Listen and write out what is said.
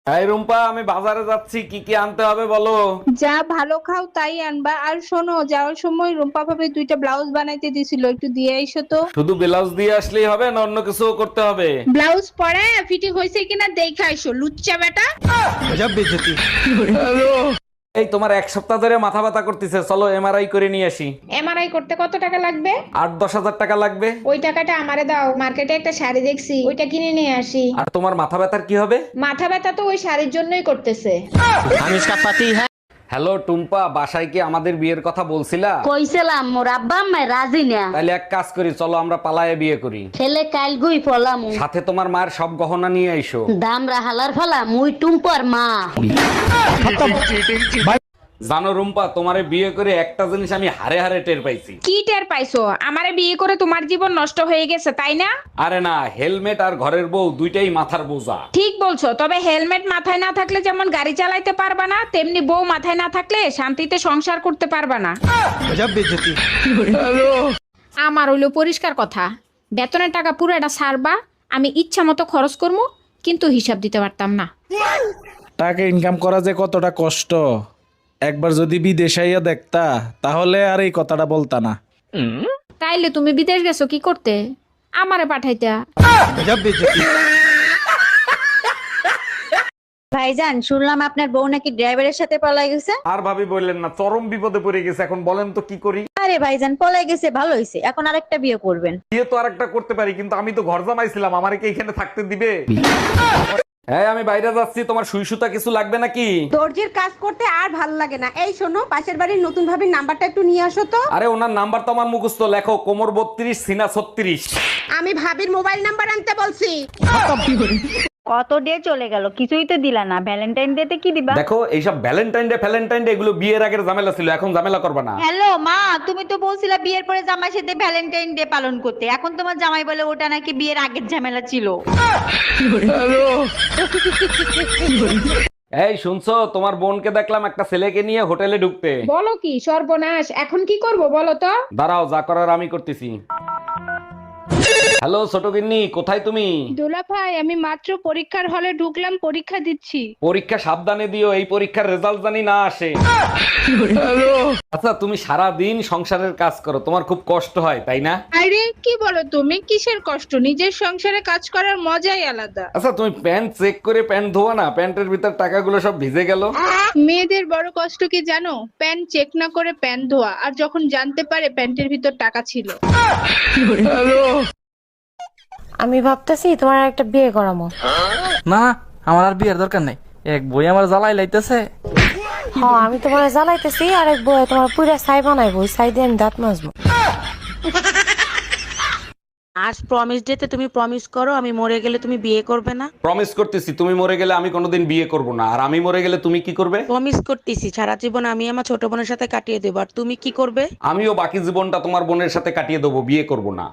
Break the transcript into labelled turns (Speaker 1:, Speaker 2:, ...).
Speaker 1: এই রুম্পা, আমি বাজারে যাচ্ছি, কি কি আনতে হবে বলো।
Speaker 2: যা ভালো খাও তাই আনবা। আর শোনো, যাওয়ার সময় রুম্পা ভাবে দুইটা ব্লাউজ বানাইতে দিছিল, একটু দিয়ে আইসো তো।
Speaker 1: শুধু ব্লাউজ দিয়ে আসলেই হবে না অন্য কিছু করতে হবে?
Speaker 2: ব্লাউজ পরে ফিটিং হয়েছে কিনা দেখে আইসো, লুচ্চা বেটা।
Speaker 1: এই তোমার এক সপ্তাহ ধরে মাথা ব্যথা করতেছে, চলো এমআরআই করে নিয়ে আসি।
Speaker 2: এমআরআই করতে কত টাকা লাগবে?
Speaker 1: 8-10 হাজার টাকা লাগবে।
Speaker 2: ওই টাকাটা আমারে দাও, মার্কেটে একটা শাড়ি দেখছি, ওইটা কিনে নিয়ে আসি।
Speaker 1: আর তোমার মাথা ব্যথার কি হবে?
Speaker 2: মাথা ব্যথা তো ওই শাড়ির জন্যই করতেছে।
Speaker 1: হ্যালো টুম্পা, বাসায় কি আমাদের বিয়ের কথা বলছিলা?
Speaker 3: কইছিলাম মোর আব্বা আম্মা রাজি না।
Speaker 1: তাহলে এক কাজ করি, চলো আমরা পালায়ে বিয়ে করি।
Speaker 3: ছেলে কাল গুই ফলাম
Speaker 1: সাথে তোমার মায়ের সব গহনা নিয়ে আইসো।
Speaker 3: দামরা হালার ফলা মুই টুম্পর মা।
Speaker 1: জানো রুম্পা, তোমারে বিয়ে করে একটা জিনিস আমি হারে হারে টের পাইছি।
Speaker 2: কি টের পাইছো? আমারে বিয়ে করে তোমার জীবন নষ্ট হয়ে গেছে তাই না?
Speaker 1: আরে না, হেলমেট আর ঘরের বউ দুইটাই মাথার বোঝা।
Speaker 2: ঠিক বলছো, তবে হেলমেট মাথায় না থাকলে যেমন গাড়ি চালাইতে পারবা না, তেমনি বউ মাথায় না থাকলে শান্তিতে সংসার করতে পারবা না। আমার হইলো পরিষ্কার কথা, বেতনের টাকা পুরোটা ছাড়বা, আমি ইচ্ছা মতো খরচ করবো, কিন্তু হিসাব দিতে পারতাম না।
Speaker 4: টাকা ইনকাম করা যে কতটা কষ্ট, একবার যদি বিদেশ আইয়া দেখতা তাহলে আর এই কথাটা বলতা না।
Speaker 2: তাইলে তুমি বিদেশ গেছো কি করতে? আমারে পাঠাইতা।
Speaker 5: ভাইজান, শুনলাম আপনার বউ নাকি ড্রাইভারের সাথে পলাই গেছে।
Speaker 1: আর ভাবি বললেন না, চরম বিপদে পড়ে গেছে, এখন বলেন তো কি করি।
Speaker 5: আরে ভাইজান, পলাই গেছে ভালো হয়েছে, এখন আরেকটা বিয়ে করবেন।
Speaker 1: বিয়ে তো আরেকটা করতে পারি, কিন্তু আমি তো ঘর জামাইছিলাম, আমারে কি এখানে থাকতে দিবে? হ্যাঁ, আমি বাইরে যাচ্ছি, তোমার সুই সুতা কিছু লাগবে নাকি?
Speaker 6: দর্জির কাজ করতে আর ভাল লাগে না। এই শোনো, পাশের বাড়ির নতুন ভাবির নাম্বারটা একটু নিয়ে আসো তো।
Speaker 1: আরে ওনার নাম্বার তো আমার মুখস্থ, লেখো কোমর 32 সিনা 36।
Speaker 6: আমি ভাবির মোবাইল নাম্বার আনতে বলছি।
Speaker 5: কত ডে চলে গেল, কিছুই তো দিলা না। ভ্যালেন্টাইন ডে তে কি দিবা?
Speaker 1: দেখো, এইসব ভ্যালেন্টাইন ডে এগুলো বিয়ের আগের ঝামেলা ছিল, এখন ঝামেলা করবে না।
Speaker 5: হ্যালো মা, তুমি তো বলছিলা বিয়ের পরে জামাই সাথে ভ্যালেন্টাইন ডে পালন করতে, এখন তোমার জামাই বলে ওটা নাকি বিয়ের আগের ঝামেলা ছিল।
Speaker 1: এই শুনছো, তোমার বোনকে দেখলাম একটা ছেলেকে নিয়ে হোটেলে ঢুকতে।
Speaker 2: বলো কি সর্বনাশ, এখন কি করব বলো তো?
Speaker 1: দাঁড়াও, যা করার আমি করতেছি। হ্যালো ছোট গিন্নি, কোথায় তুমি?
Speaker 2: দোলা ভাই, আমি মাত্র পরীক্ষার হলে ঢুকলাম, পরীক্ষা দিচ্ছি।
Speaker 1: পরীক্ষা সাবধানে দিও, এই পরীক্ষার রেজাল্ট জানি না আসে। আচ্ছা, তুমি সারা দিন সংসারের কাজ করো, তোমার খুব কষ্ট হয় তাই না?
Speaker 2: আরে কি বলো তুমি, কিসের কষ্ট? নিজের সংসারে কাজ করার মজাই আলাদা।
Speaker 1: আচ্ছা, তুমি প্যান্ট চেক করে প্যান্ট ধোয়া না, প্যান্টের ভিতর টাকাগুলো সব ভিজে গেল।
Speaker 2: মেয়েদের বড় কষ্ট কি জানো? প্যান্ট চেক না করে প্যান্ট ধোয়া, আর যখন জানতে পারে প্যান্টের ভিতর টাকা ছিল।
Speaker 7: আমি ভাবতেছি তোমার একটা বিয়ে করামো।
Speaker 8: না, আমার আর বিয়ের দরকার নাই, এক বই আমার জ্বালাই লাইতেছে।
Speaker 7: হ্যাঁ, আমি তোমার জ্বালাইতেছি, আর এক বই তোমার পুরা ছাই বানাইবো, ওই ছাই দিয়ে আমি দাঁত মাজবো।
Speaker 9: আজ প্রমিস ডেতে তুমি প্রমিস করো, আমি মরে গেলে তুমি বিয়ে করবে না।
Speaker 1: প্রমিস করতেছি, তুমি মরে গেলে আমি কোনোদিন বিয়ে করব না, আর আমি মরে গেলে তুমি কি করবে?
Speaker 9: প্রমিস করতেছি, সারা জীবন আমি আমার ছোট বোনের সাথে কাটিয়ে দেবো, আর তুমি কি করবে?
Speaker 1: আমিও বাকি জীবনটা তোমার বোনের সাথে কাটিয়ে দেবো, বিয়ে করব না।